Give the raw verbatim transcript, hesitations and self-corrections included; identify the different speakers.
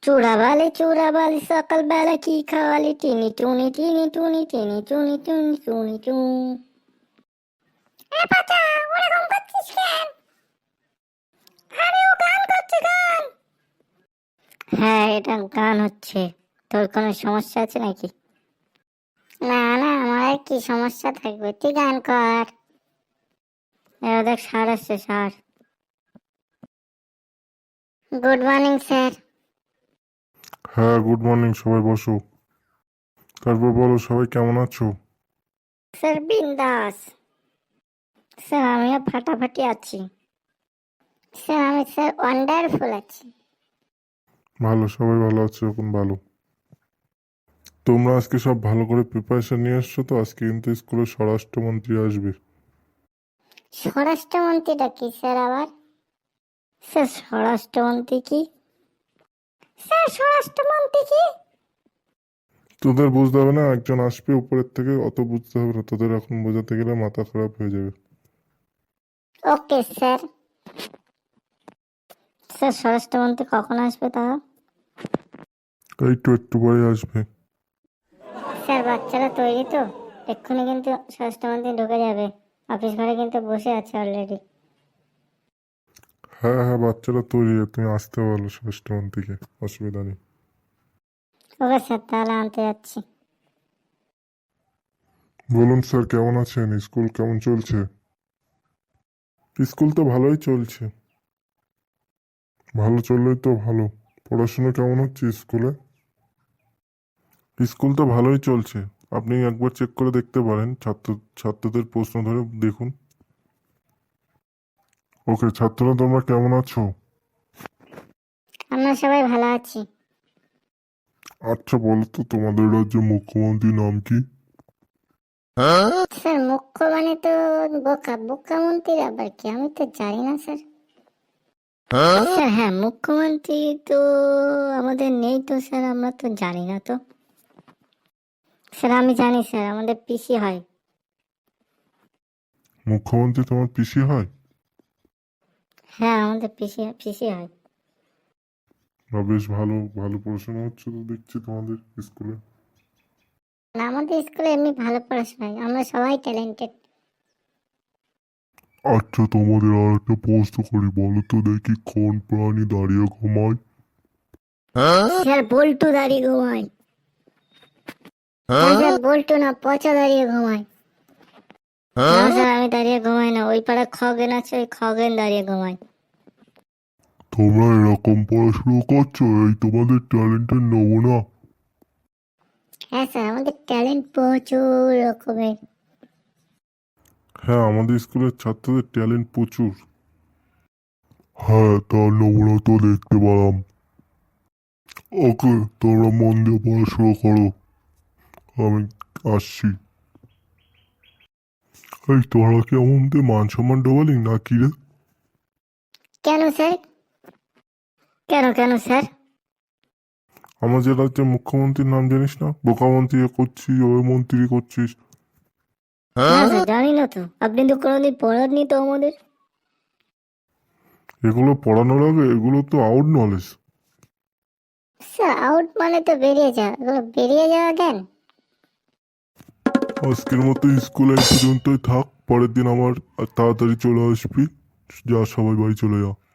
Speaker 1: চূড়াবালি চূড়াবালি সকালবেলা কি খাওয়ালি টিনি টুনি টিনি টুনি টিনি টুনি টুনি টুনি টুন। এ পাতা, ওরকম করছিস কেন? আরে ও গান করছে, গান। হ্যাঁ, এটা গান হচ্ছে। তোর কোনো সমস্যা আছে নাকি? না না, আমার আর কি সমস্যা থাকবে, তুই গান কর। এবার দেখ, স্যার আসছে, স্যার। Good morning sir.
Speaker 2: হ্যাঁ, গুড মর্নিং। সবাই বসো। তারপর বলো, সবাই কেমন আছো?
Speaker 1: স্যার বিন্দাস। স্যার আমিও ফাটাফাটি আছি। স্যার আমি স্যার ওয়ান্ডারফুল আছি।
Speaker 2: ভালো, সবাই ভালো আছে এখন। ভালো। তোমরা আজকে সব ভালো করে প্রিপারেশন নিয়ে আসছো তো? আজকে কিন্তু স্কুলে স্বরাষ্ট্রমন্ত্রী আসবে।
Speaker 1: স্বরাষ্ট্রমন্ত্রীটা কি স্যার আবার? স্যার স্বরাষ্ট্রমন্ত্রী কি? স্যার স্বরাষ্ট্রমন্ত্রী কি?
Speaker 2: তোদের বুঝতে হবে না, একজন আসবে উপরের থেকে, অত বুঝতে হবে না তোদের। এখন বোঝাতে গেলে মাথা খারাপ হয়ে যাবে।
Speaker 1: Okay sir. স্যার স্বরাষ্ট্রমন্ত্রী কখন আসবে তাও?
Speaker 2: এই তো একটু পরে আসবে।
Speaker 1: স্যার বাচ্চারা তৈরি তো? এক্ষুনি কিন্তু স্বরাষ্ট্রমন্ত্রী ঢুকে যাবে। অফিস ঘরে কিন্তু বসে আছে অলরেডি।
Speaker 2: হ্যাঁ হ্যাঁ, বাচ্চারা তৈরি। তুমি আসতে বলো স্বরাষ্ট্রমন্ত্রীকে, অসুবিধা নেই।
Speaker 1: ওকে স্যার, তাহলে আনতে যাচ্ছি।
Speaker 2: বলুন স্যার, কেমন আছেন? স্কুল কেমন চলছে? স্কুল তো ভালোই চলছে। ভালো চললেই তো ভালো। পড়াশোনা কেমন হচ্ছে স্কুলে? স্কুল তো ভালোই চলছে। আপনি একবার চেক করে দেখতে পারেন, ছাত্র ছাত্রদের প্রশ্ন ধরে দেখুন। ওকে, ছাত্ররা তোমরা কেমন আছো?
Speaker 1: আমরা সবাই ভালো আছি।
Speaker 2: আচ্ছা, বলো তো তোমাদের রাজ্যের মুখ্যমন্ত্রীর নাম কি?
Speaker 1: স্যার মুখ্য মানে তো বোকা, বোকা মন্ত্রীর আবার কি? আমি তো জানি না স্যার। স্যার হ্যাঁ, মুখ্যমন্ত্রী তো আমাদের নেই তো স্যার, আমরা তো জানি না তো। স্যার আমি জানি স্যার, আমাদের পিসি হয়।
Speaker 2: মুখ্যমন্ত্রী তোমার পিসি হয়?
Speaker 1: হ্যাঁ, আমাদের পিসি পিসি হয়।
Speaker 2: বা বেশ ভালো। ভালো পড়াশোনা হচ্ছে তো দেখছি তোমাদের স্কুলে।
Speaker 1: না, আমাদের স্কুলে এমনি ভালো পড়াশোনা হয়, আমরা সবাই ট্যালেন্টেড।
Speaker 2: আচ্ছা, তোমাদের আর একটা প্রশ্ন করি, বলো তো দেখি, কোন প্রাণী দাঁড়িয়ে ঘুমায়?
Speaker 1: স্যার বল্টু দাঁড়িয়ে ঘুমায়। না স্যার, বল্টু না, পচা দাঁড়িয়ে ঘুমায়। না স্যার, আমি দাঁড়িয়ে ঘুমাই না, ওই পাড়া খগেন আছে, ওই খগেন দাঁড়িয়ে ঘুমায়।
Speaker 2: তোমরা এরকম পড়াশুনো করছো, এই তোমাদের ট্যালেন্টের নমুনা।
Speaker 1: হ্যাঁ স্যার, আমাদের ট্যালেন্ট প্রচুর রকমের।
Speaker 2: হ্যাঁ, আমাদের স্কুলের ছাত্রদের ট্যালেন্ট প্রচুর। হ্যাঁ, তার নমুনা তো দেখতে পেলাম। ওকে, তোমরা মন দিয়ে পড়াশোনা করো, আমি আসছি। এই তোরা কি আমাদের মান সম্মান ডোবালি না কি রে?
Speaker 1: কেন স্যার? কেন কেন স্যার?
Speaker 2: আমাদের রাজ্যের মুখ্যমন্ত্রীর নাম জানিস না? বোকা মন্ত্রী এ করছিস, ওই মন্ত্রী করছিস।
Speaker 1: না স্যার, জানি না তো, আপনি তো কোনোদিন পড়াননি তো আমাদের।
Speaker 2: এগুলো পড়ানোর আগে এগুলো তো আউট নলেজ।
Speaker 1: স্যার আউট মানে তো বেরিয়ে যাওয়া, এগুলো বেরিয়ে যাওয়া জ্ঞান।
Speaker 2: আজকের মতো স্কুলে এই পর্যন্তই থাক। পরের দিন আমার তাড়াতাড়ি চলে আসবি। যা, সবাই বাড়ি চলে যা।